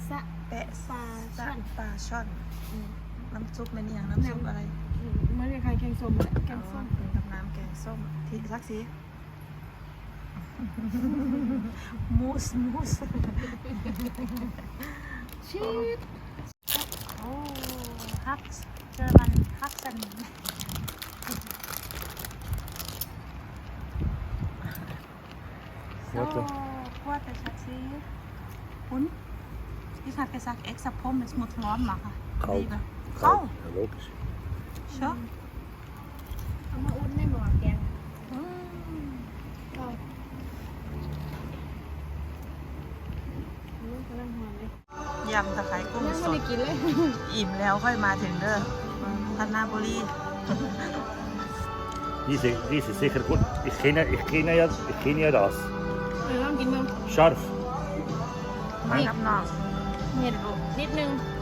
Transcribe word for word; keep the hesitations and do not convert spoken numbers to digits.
ซะแปะปลาซะช่อนปลาช่อนอืมน้ำซุปเป็นอย่างน้ำซุปอะไรอืมมันคล้ายๆแกงส้มแหละแกงส้มเป็นกับน้ำแกงส้มที่สักสีมูสมูสชีสโอ้ฮักเจอมันฮักสันโซ่ขวดแต่ชัดซีคุณich habe gesagt extra Pommes muss warm machen Kalt. Lieber. Kalt. Kalt Ja, logisch. schon เอามาอุ่นในหม้อแกง Mm. ก็ลูกกำลังหอมเลยยำตะไคร้กุ้งยังสไม่ดได้กินเลยอิ่มแล้วค่อยมาถึงเด้อพัฒนาบุรี Diese, diese ist sicher gut. Ich kenne, ich kenne, ja, ich kenne ja das. เออลองกินมั้ง Scharf. มากับน้องเห็ดนิดนึง